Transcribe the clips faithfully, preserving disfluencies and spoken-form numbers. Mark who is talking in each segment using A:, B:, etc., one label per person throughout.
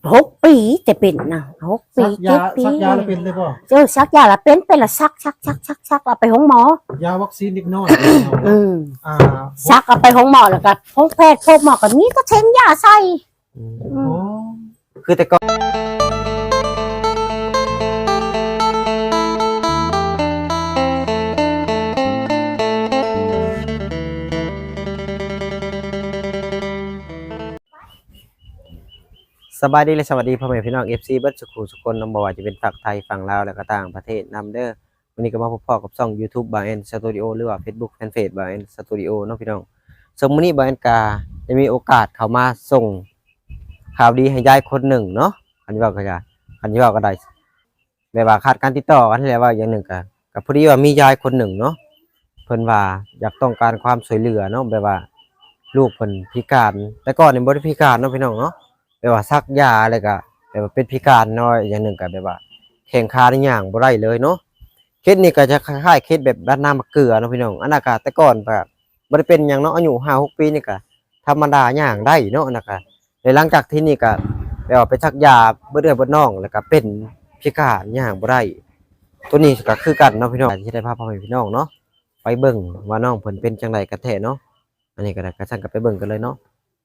A: หกปีแต่เป็นนะหกปี
B: ซักยา
A: เจ็ดปี
B: ซักยาแล้วเป็นเลยป่ะ
A: เจอซักยาละเป็นเป็นละซักซักซักซักซักเอาไปห้องหมอย
B: าวัคซีนเด็กน้อย
A: อืม
B: อ่า
A: ซักเอาไปห้องหมอแล้วก็ห้องแพทย์พบหมอก็มีก็เทงยาใส่
B: โอ้
C: คือแต่ก่อนสบายดีและสวัสดีพ่อแม่พี่น้อง เอฟ ซี เบิร์ดสุขุสุคนน้องบอกว่าจะเป็นฝั่งไทยฝั่งลาวและก็ต่างประเทศนำเด้อวันนี้ก็มาพบพ่อกับช่อง YouTube บาร์แอนสตูดิโอหรือว่า Facebook Fanpage บาร์แอนสตูดิโอเนาะพี่น้องสมมุตินี้บาร์แอนกาจะมีโอกาสเข้ามาส่งข่าวดีให้ยายคนหนึ่งเนาะคันที่ว่าก็จะคันที่ว่าก็ได้แบบว่าขาดการติดต่อกันแล้วว่าอย่างหนึ่งก็ก็พอดีว่ามียายคนหนึ่งเนาะเพิ่นว่าอยากต้องการความช่วยเหลือเนาะแบบว่าลูกเพิ่นพิการแต่ก่อนนี่บ่ได้พิการเนาะพี่น้องเนาะแบบว่าซักยาอะไรก็แบบว่าเป็นพิการน้อยอย่างหนึ่งก็แบบว่าแข้งขาได้ย่างบ่ได้เลยเนาะเคสนี้ก็จะคล้ายๆเคสแบบบ้านน้ำมะเกลือเนาะพี่น้องอันนั้นก็แต่ก่อนแบบบ่ได้เป็นหยังเนาะอายุ ห้าหก ปีนี่ก็ธรรมดาย่างได้เนาะอันนั้นก็แล้วหลังจากที่นี่ก็แบบว่าไปซักยาเบิดเดือนเบิดน้องแล้วก็เป็นพิการย่างบ่ได้ตัวนี้ก็คือกันเนาะพี่น้องที่ได้พาพ่อแม่พี่น้องเนาะไปเบิ่งว่าน้องเพิ่นเป็นจังไดกันแท้เนาะอันนี้ก็ได้ก็สั่งกันไปเบิ่งกันเลยเนาะ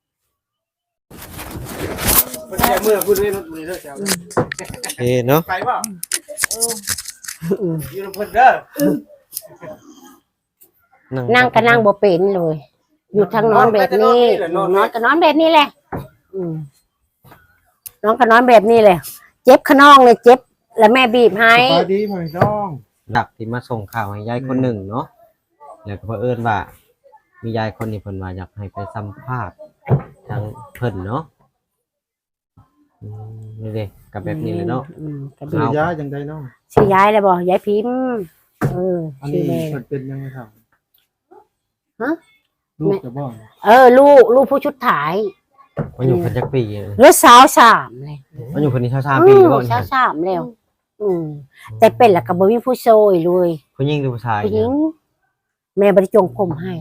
B: เมื่อคุณเล่นมือเด้อเจ้า
C: เฮ้เนาะ
B: ไปป่ะยืนเพิ่นเด้อ
A: นั่งก็นั่งบ่เป็นเลยอยู่ทางนอนแบบนี้นอนก็นอนแบบนี้แหละนอนก็นอนแบบนี้เลยเจ็บขนองเลยเจ็บแล้วแม่บีบให้
B: สบายดีพ่อพี่น้อง
C: ดักที่มาส่งข่าวให้ยายคนหนึ่งเนาะแล้วก็เผอิญว่ามียายคนนี้เพิ่นว่าอยากให้ไปสัมภาษณ์ทางเพิ่นเนาะนี่เด้กับแบบนี้เลยเนาะ
B: ชื่อยายจังไดเนาะ
A: ชื่อยายเลยบ่ยายพิมพ์เออ
B: อันนี้เพิ่นเป็นยังไงครับ
A: ฮะ
B: ลูกจะบ่
A: เออลูกลูกผู้ชุดถ่าย
C: มันอยู่เพิ่นจักปี
A: หรือสาวสามเลย
C: มันอยู่เพิ่นนี่สาวสามปีบ่
A: สาวสามแล้วอืมแต่เป็นแล้วก็บ่มีผู้ช่วยเลย
C: ผู้หญิงหรือผู้ชาย
A: ผู้หญิงแม่บ่ได้จงผมให้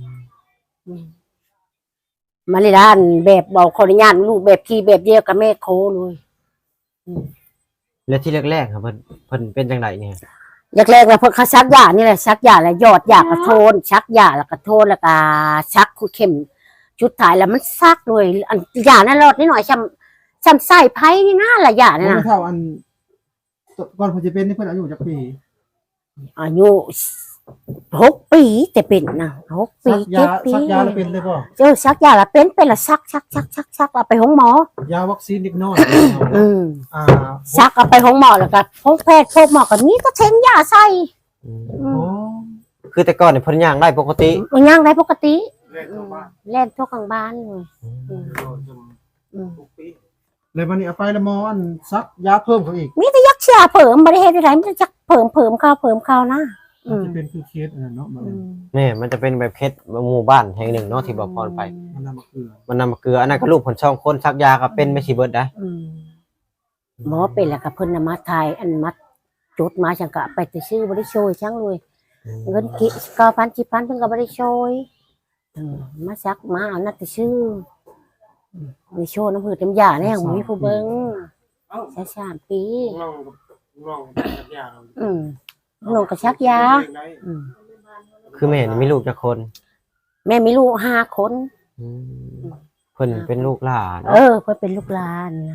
A: มาเลยด้านแบบบอกขออนุญาตลูกแบบที่แบบเดียวกับแม่โคเลย
C: แล้วที่แรกๆครับเพิ่นเพิ่นเป็นจังไดเนี่ย
A: แรกๆแล้วเพิ่นเขาซักยานี่แหละซักยาแล้วยอดยากระโทนชักยาแล้วก็โทนแล้วก็ชักคู่เข้มชุดถ่ายแล้วมันซักเลยอันยานั่นรอดนิดหน่อยช้ำช้ำใส่ไผ่นี่น่าละยาเนี่ยนะ
B: เท่าอันก่อนเพิ่นจะเป็นนี่เพิ่นอายุจักปี
A: อายุหกปีแต่เป็นนะหกปีเจ็ดปี
B: ซักยาแล้วเป็นเลยป่ะ
A: เจอซักยาแล้วเป็นเป็นละซักซักซักซักซักเอาไปห้องหม
B: อยาวัคซีนเด็กน้อย
A: อืมอ่าซักเอาไปห้องหมอแล้วก็ห้องแพทย์พบหมอก็มีก็เทงยาใส่
C: คือแต่ก่อนเนี่ยเพิ่นย่างได้ปกติ
A: มันย่างได้ปกติเล่นทั่วกลางบ้านเลย
B: เลยวันนี้เอาไปแล้วหมออันซักยาเพิ่มเขาอีก
A: มีแต่ยักษ์เชียเพิ่มบริเหตุอะไรมันจะเพิ่มเพิ่มข้าวเพิ่มข้าวนะ
B: มันจะเป็นคือเคสอันนั้นเนาะ
C: นี่มันจะเป็นแบบเคสหมู่บ้านแห่งหนึ่งเนาะที่บอกพรไป
B: มันนำมาเกลือ
C: มันนำมาเกลืออันนั้นก็ลูกผลช่องคนซักยาก็เป็นไม่สิเบิดได้
A: หมอเป็นแหละกับเพิ่นนำมาทายอันมัดจุดมาจังกะไปแต่ชื่อบริโชยช่างเลยเงินกี่เก้าพันสิบพันเพิ่นก็บริโชยมาซักมาเอานัดแต่ชื่อบริโชยน้ำผืดน้ำยาเนี่ยของมีผู้เบิ้งใช้สามปีอืมลงกระชักยา
C: คือแม่มีลูกจักคน
A: แม่มีลูกห้าคน
C: เพิ่นเป็นลูกหลาน
A: เออเพิ่นเป็นลูกหลานนะ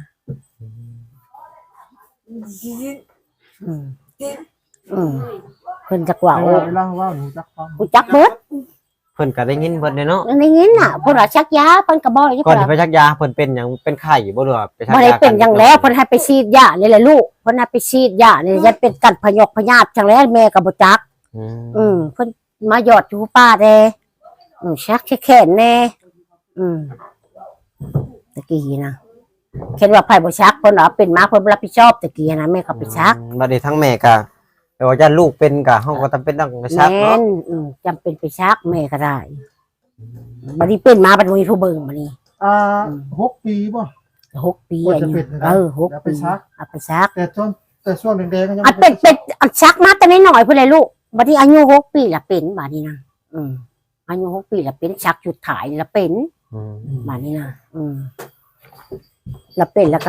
A: อืมอืมเพิ่นจักว่าโอ้
B: เล่าว่าหนูจักฟัง
A: กูจักเบิด
C: เพิ่นก็ได้ยินเบิดเนาะ
A: ได้ยินน่ะเพิ่นว่าชักยาเพิ่นก็บ่
C: ก่อนจะไปชักยาเพิ่นเป็นหยังเป็นไข้บ่หรือว่าไปชักยา
A: บ่ได้เป็นหยังแล้วเพิ่นให้ไปฉีดยานี่แหละลูกเพิ่นให้ไปฉีดยานี่จะเป็นกัดพยอกพยาธิจังแล้วแม่ก็บ่จักอืมเพิ่นมาหยอดอยู่ป้าแดอืมชักแขนแน่อืมตะกี้นะเห็นว่าไผบ่ชักเพิ่นว่าเป็นมาเพิ่นรับผิดชอบตะกี้นะแม่ก็ไปชัก
C: บัดนี้ทั้งแม่ก็แต่ว่าญาติลูกเป็นก็เฮาก็จำเป็นต้องไปชักเนาะ
A: อืมจำเป็นไปชักแม่ก็ได้บัดนี้เป็นมาบัดนี้ผู้เบิ่งบัดนี้
B: อ่าหกปีบ่
A: หกปีอายุเออหกปีเอาไปชัก
B: แต่ช่วงแต่ช่วงแดงๆก็ยัง
A: อันเป็นเป็นอันชักมาแต่น้อยๆพุ่นเลยลูกบัดนี้อายุหกปีละเป็นบัดนี้นะอืมอายุหกปีละเป็นชักจุดถ่ายละเป็นบัดนี้นะอืมละเป็นแล้วก็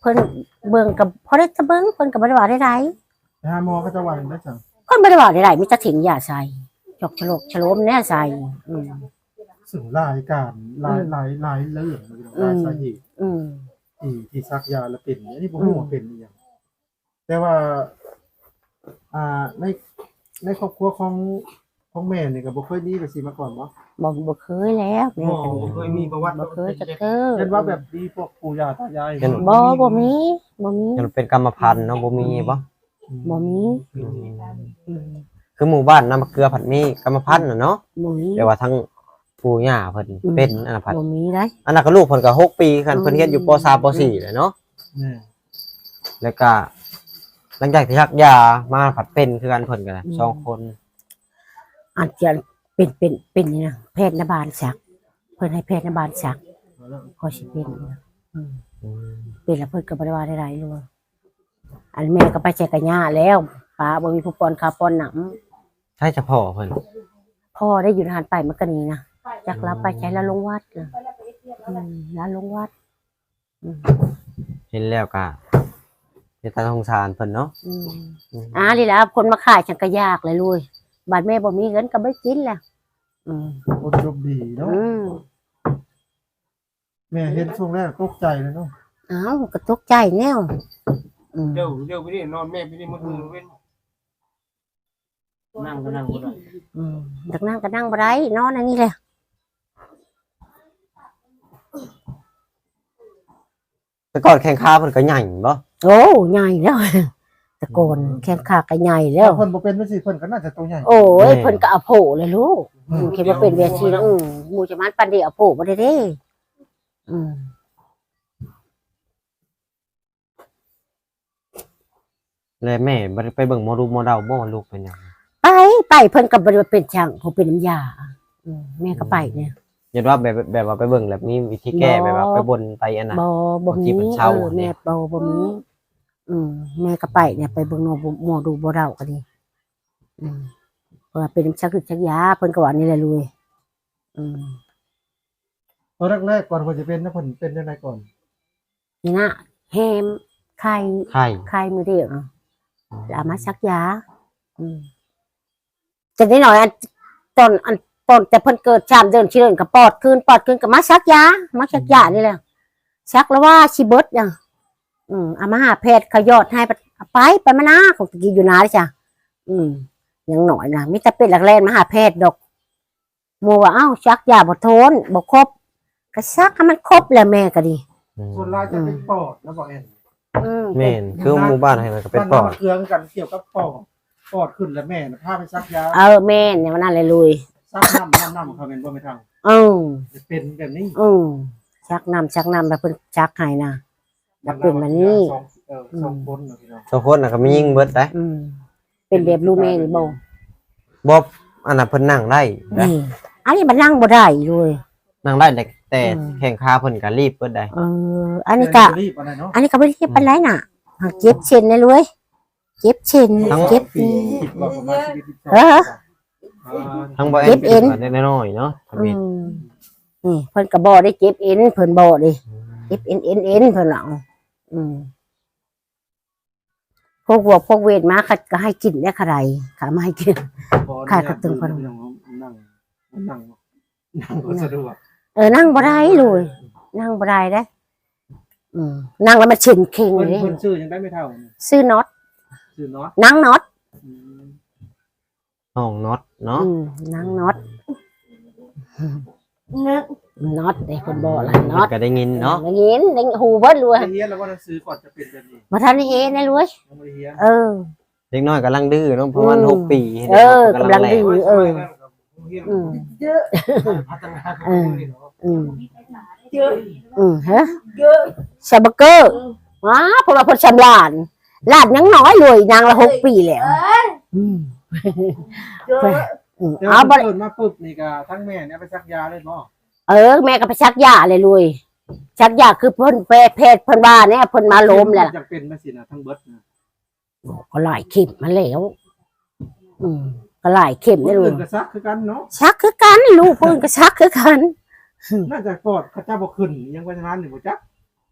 A: พิ่นเบิ่งกับพอได้จะเบิ่งเพิ่นก็บ่ได้ว่าได้ไร
B: ไปหาหมอเขาจะว่าอย่างไรจัง
A: เพิ่นบ่ได้ว่าได้ไรมีแต่ถิงยาใส่จอกฉลกฉโลมแน่ใส่อืม
B: สึ่งรายการหลายหลายหลายเรื่องเลยหลายสาเหตุ
A: อืม
B: ที่ที่ซักยาแล้วเป็นอันนี้ผมรู้ว่าเป็นอหย่างแต่ว่า อ่าในในครอบครัวของของแม่นี่ก็บ่เคยมีแบบสิมาก่อนบ่
A: บ่บ่เคยแล้วแม่
B: บ่
A: ก็
B: บ่เคยมีประวัติ
A: บ่เคยจะเจอ
B: เห็นว่าแบบดีพวกปู่ย่าตายาย
A: บ่บ่มีบ่มี
C: ยังเป็นกรรมพันธุ์เนาะบ่มีบ่
A: บ่มี
C: อืม
A: อืม
C: คือหมู่บ้านน้ำมะเกลือผัดมีกรรมพันธุ์น่ะเนาะ
A: บ่มี
C: แต่ว่าทั้งปู่ย่าเพิ่นเป็นอันนั้นผัด
A: บ่มีได้
C: อันนั้นก็ลูกเพิ่นก็หกปีคัน
A: อืม
C: เพิ่นเรียนอยู่ป .สาม ป .สี่ แหละเนาะ
B: แม่
C: แล้วก็หลังจากที่ชักยามาผัดเป็นคือกันเพิ่นก็ได้สองคน
A: อาจจะเป็นเป็นเป็นนี่นะแพทย์นบาลสักเพิ่นให้แพทย์นบาลสักพอสิเป็นนะอืม
C: อืม
A: เป็นแล้วเพิ่นก็บ่ได้ว่าได้ไรเลยอันแม่ก็ไปแจกกะย่าแล้วป้าบ่มีผู้ปอนข้าวปอนหนำ
C: ใช่เฉพาะเพิ่น
A: พ่อได้อยู่ทหารไปมันก็นี่นะจักรับไปใช้แล้วลงวัดนะอืมแล้วลงวัดอืม
C: เห็นแล้วก็เป็นตาสงสารเพิ่นเนาะ
A: อืม
C: อืม
A: อ่านี่แหละคนมาขายฉันก็ยากเลยลุยบาดแม่บ่มีเงินก็ไม่กินแหละอืม
B: คนจบดีเนาะ
A: อืม
B: แม่เห็นช่วงแรกตกใจเลยเนาะ
A: อ้าวก็ตกใจแนวอืม
D: เดี๋ยวเดี๋ยวไปนี่นอนแม่ไปนี่มันมือเว้นนั่งก็นั่งก็ได้
A: อืมดักนั่งก็นั่งบ่ได้นอนอันนี้แหละ
C: แต่ก่อนแข่งขาเพิ่นก็ใหญ่บ่
A: โอ้ใหญ่แล้วตะโกนแข้งขาก็ใหญ่แล้ว
B: เพิ่นบ่เป็นจังซี่เพิ่นก็น่าจะตัวใหญ่
A: โอ้ยเพิ่นก็เอาโผเลยลูกอืมคิดว่าเป็นเวทีแล้วอืมหมู่จะมันปันเดียวเอาโผบ่ได้เด้อืม
C: แล้วแม่บ่ได้ไปเบิ่งหมอดูหมอเดาบ่ว่าลูกเป็นหยัง
A: ไปไปเพิ่นก็บ่ได้ว่าเป็นช่างเขาเป็นน้ำยาอืมแม่ก็ไปเนี่ย
C: ยันว่าแบบแบบว่าไปเบิ่งแล้วมีวิธีแก้
A: บ่
C: แบบว่าไปบนไปอันน่ะ
A: บ่บ่มี
C: บางทีมัน
A: เอ
C: เช่า
A: อแม่บ่บ่มีอืมแม่ก็ไปเนี่ยไปเบิ่งหมอหมอดูบ่เดาก็ดีอืมเพราะว่าเป็นชักคือชักยาเพิ่นก็ว่านี่แหละลุยอืม
B: ตอนแรกๆก่อนเพิ่นจะเป็นนะเพิ่นเป็นจังไดก่อน
A: นี่นะแฮมไข่
C: ไข่
A: ไข่มือเดียวเนาะแล้วเอามาชักยา อืมจะได้หน่อยอันตอนอันตอนแต่เพิ่นเกิดชามเดินชิเดินกับปอดคืนปอดคืนกับมาชักยามาชักยานี่แหละชักแล้วว่าชิเบิดอ่ะอืมเอามาหาแพทย์เขายอดให้ไปเอาไปไปมานาของตะกี้อยู่นาเลยจ้ะอืมยังหน่อยนะมิแต่เป็นหลักแรกมาหาแพทย์ดอกโมว่าเอ้าชักยาบ่ทนบ่ครบก็ชักให้มันครบแล้วแม่ก็ดี
C: อืม
B: ส่วนหลายจะเป็นปอดนะบอกแอน
A: อืม
C: แม่นคือหมู่บ้านให้มันก็เป็นปอด
B: บ้าราเคืองกันเกี่ยวกับปอดปอดขึ้นแล้วแม่น่ะพาไปซักยา
A: เออแม่เนี่ยมันนั่นเลยลุย
B: ซักน้ำน้ำน้ำเขาเป็นบ่ไม่ทาง
A: อืม
B: จะเป็นแบบนี้
A: อืมชักนำชักนำแบบเพิ่นชักให้นะแล้วเป็นแบบนี้
B: สองเออสองคนเนาะพี่น้อง
C: ทุกคนน่ะก็มียิงเบิดได้
A: อืมเป็นแบบลูเมนี่บ่
C: บ่อันนั้นเพิ่นนั่งได้ได้
A: นี่อันนี้มันนั่งบ่ได้เลย
C: นั่งได้แต่แต่
A: อืม
C: แข่งขาเพิ่นก็รีบเบิดได้
A: เออ อันนี้ก็
B: รีบอะไรเนาะ
A: อันนี้ก็บ่ได้เจ็บปานไรน่ะหากเจ็บเช่นเลยเลยเจ็บเช่นเจ็บ
B: ปีคิดว่าประมาณชีวิตที่สอง
A: เออ
C: ทั้งบ่
A: เจ็บเอ็น
C: ได้น้อยๆเนาะท
A: อื
C: วิต
A: มนี่เพิ่นก็บ่ได้เจ็บเอ็นเพิ่นบ่ดิเจ็บเอ็นเอ็นเอ็นเพิ่นเอาอืมพวกวัวพวกเวทมาเขาก็ให้กินได้ค่ะไรค่ะมาให้กิน ขายกระตึงพอ
B: นั่งนั่งนั่งนั่งก็สะดวก
A: เออนั่งบ่ได้เลยนั่งบ่ได้เด้ออืมนั่งแล้วมันเชิงเข่ง
B: เพิ่น
A: เลย
B: เพิ่นชื่อยังได้ไม่เท่านี่
A: ซื้อน็อต
B: ชื่อเนาะ
A: นั่งน็อต
B: อืม
C: ห้องน็อตเนาะ
A: อืมนั่งน็อตน็อตเด้คนบ่ล่ะน็อต
C: ก็ได้ยินเนาะ
A: ได้ยินได้หูเบิดเลย
B: ได้เฮียนแล้วว่าหนังสือก่อนจะเป็นแบบนี้
A: บ่ทันได้เห็นได้เลย
B: ยังไม่ได้เฮียน
A: เออ
C: เด็กน้อยกำลังดื้อเนาะประมาณ
A: อืม
C: หกปี
A: เออกำลังดื้
C: แห
A: เออ อืม
D: เยอะ
B: พัฒนา
A: เออ อืมอืมฮะชาบเกอร์ว้าเพราะว่าเพนชำลานลาดยังน้อยเลยนางละหกปีแล้วอืม
D: เยอะ
A: อืม
B: เดี๋ยว
A: เอาบ่
B: เพิ่นมาปุ๊บนี่ก็ทั้งแม่เนี่ยไปซักยาเลยบ่
A: เออแม่ก็ไปชักยาเลยลุยชักยาคือเพิ่นแพทย์แพทย์เพิ่นว่าเนี่ยเพิ่นมาล้มแหละ
B: จังเป็นมาสินะทั้งเบิดนะ
A: ก็หลายเข็มมาแล้ว อืมก็หลายเข็ม
B: ค
A: ได้
B: น
A: เล
B: อื่
A: ย
B: นก็ซักคือกันเนาะ
A: ชักคือกันลูกเพิ่นก็ชักคือกัน
B: น่าจะปอดเขาเจ้าบ่ขึ้นยังว่าจะนั้นนี่บ่จัก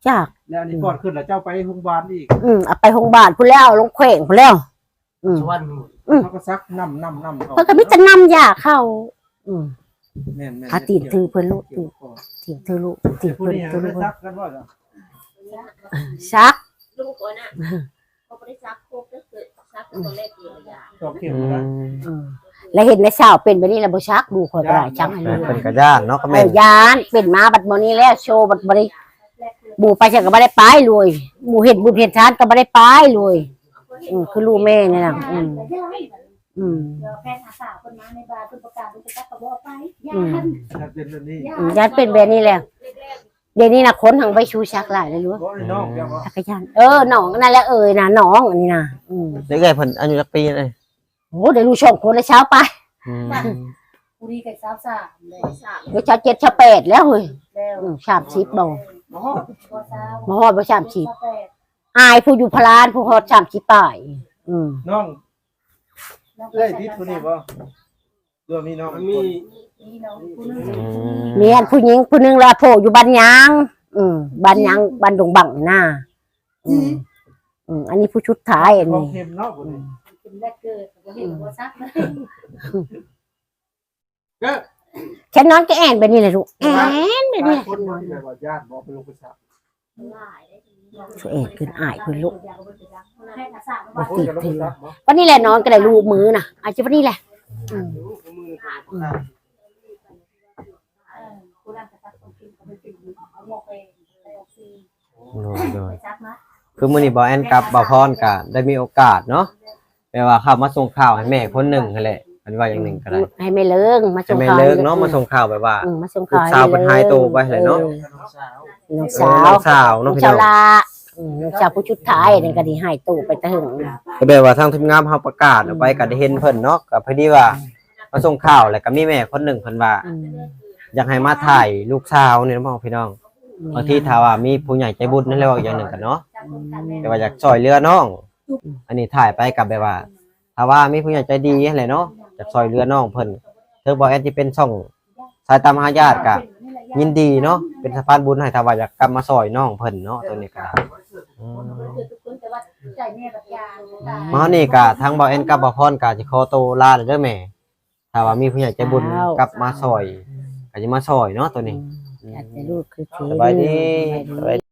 A: จาก
B: แล้วอันนี้ก่อนขึ้นแล้วเจ้าไปโรงพยาบาลอีก
A: อืมเอาไปโรงพยาบาลพุ่นแล้วลงแขวงพุ่นแล้ว อืม
D: ชวน
B: เขาก็ซักน้ำน้ำน้ำ
A: เพิ่นก็มีแต่นำยาเข้า อืม
B: แม่นแม่น
A: อาตีนถือเพิ่นลูกตีนตีนถือลูกตีน
B: ผู้
A: เพิ่น
B: นี้
A: ถือลู
B: ไม่
A: กเพิ่น
B: ซักกันว่าจ้ะ
A: ซัก
E: ลูกคนน่ะเขาไม่ได้ซักโคกก็คือซักตัวเล็กอยู่ยา
B: สองเข็ม
C: อื
B: นะ
C: ม
A: อืมแล้วเห็นในเช้าเป็นแบบนี้แล้วบ่ซักดูคนก็ได้จังให้
C: แม่
A: ดู
C: เพิ่นก็ย่านเนาะก็
A: เอ
C: แม่น
A: อยานเป็นมาบัดมื้อนี้แล้วโชว์บัดบ่ได้บูไปฉันก็บ่ได้ไปเลยหมู่เฮ็ดบุญเฮ็ดทานก็บ่ได้ไปเลยอืมคือลูกแม่นี่น่ะอืมอืม
E: เดี๋ยวแฟนหาสาวคนมาในบาร์เป็นประกาศเป็นประกาศกับว่าไปยา
A: อืม
B: ถ้าเป็นแบบนี้
A: อืมยานเป็นแบบนี้แล้วเดี๋ยวนี้น่ะคนหังไปชูชักหลายเลยรู้
B: บ่ได้นอกเดี๋ยวว่า
A: จักรยานเออน้องนั่นแหละเอ่ยน่ะน้องอันนี้น่ะอืม
C: เด็กใหญ่เพิ่นอายุจักปีเลย
A: โหเดี๋ยวลูกสองคนแล้วเช้าไป
C: อืม
E: บุรีกับสาวสามเลยสาม
A: เดี๋ยวเช้าเจ็ดเช้าแปดแล้วเฮ้ย
E: แล้ว
A: อืมสามสิบบ่
B: อ๋อ
E: ก็สาว
A: บ่ฮอดบ่สามสิบ
E: แปด
A: อายผู้อยู่พลานผู้ฮอดสามสิบปลายอืม
B: น้อง
E: แล้ว
B: เอ้ยดิดคนนี้บ่เรื่องมีน้อง
D: มัน
B: มี
D: มี
E: นี่น้องคุณนึง
C: อืม
A: เมียนผู้หญิงผู้หนึงละโผล่อยู่บ้านยางอืมบ้านยางบ้านดงบังนี่น่ะอืมอืมอันนี้ผู้ชุดท้ายอัน
B: ของ
A: นี้
B: เข็มเนาะคนนี้
E: เป็นแรกเกิดว่าเห็นว่าซักเลย
B: ก็
A: แค่นอนก็แอนไปนี่แหละลูกแอนไป
B: หลา
A: นี่
B: ย
A: แหละ
B: คนที่แบบว่าญาติบ่ไปลงไปซัก
E: หลายได้ทีนี้
A: ช่วยแอนขึ้นอายขึ้นลูก
E: ให้หาสาว
B: บ่คนจะลงไปซักบ่
A: วันนี้แหละนอนก็ได้ลูกมือน่ะอาจจะวันนี้แหละอืม
D: มือ
A: อืม
E: คุณนั่งซักคนกินเขาไปกินเอาหมกเองไปออกซี
C: โดยโดย
E: ไปซักนะ
C: คือมื้อนี้บ่แอนกับบ่พรก็ได้มีโอกาสเนาะแปลว่าเข้ามาส่งข่าวให้แม่คนหนึงนั่นแหละอันว่าอย่างหนึ่งก็ได้
A: ให้แม่เลิงมา
C: ให้
A: ส่ง
C: แม่
A: ข่าว
C: เลิกเนาะมาส่งข่าวแบบว่า
A: อืมมาส่ง
C: ลู
A: ข่าว
C: กสาวเพิ่นหายตัวไปเลยเนาะ
A: ออ
B: น้องสาว
A: น้อง
C: เอ
A: สา
C: อ
A: ว
C: น้องสาวเนาะ
A: น้อง
C: พี่
A: สา
C: น้
A: ว
C: อง
A: ลาอืมน้องสาวผู้ชุดท้ายนั่นก็ดีหายตู้ไปแตะหึง
C: ก็แบบว่าทางทีมงานเฮาประกาศออกไปก็ได้เห็นเพิ่นเนาะก็พอดีว่ามาส่งข่าวแล้วก็มีแม่คนหนึงเพิ่นว่า
A: อืม
C: อยากให้มาถ่ายลูกสาวนี่เนาะพี่น้องบางทีถ้าว่ามีผู้ใหญ่ใจบุญนั่นแหละว่าอย่างหนึ่งกันเนาะแต่ว่าอยากช่วยเหลือน้อง อันนี้ถ่ายไปกับแบบว่า ถ้าว่ามีผู้ใหญ่ใจดีอะไรเนาะอยากช่วยเหลือน้องเพิ่นเธอบอกแอนที่เป็นช่องสายตามหาญาติก็ยินดีเนาะเป็นสะพานบุญให้ถ้าว่าอยากกลับมาช่วยน้องเพิ่นเนาะตัวนี้ก็อืม
E: แต่ว่าใจแม่กับยา
C: มานี่ก็ทางบ่แอนกับบ่พรก็สิขอตัวลาเด้อแม่ถ้าว่ามีผู้ใหญ่ใจบุญกลับมาช่วยก็สิมาช่วยเนาะตัวนี้
A: อยากจะลูกคือที
C: สบายดี
A: สบายดี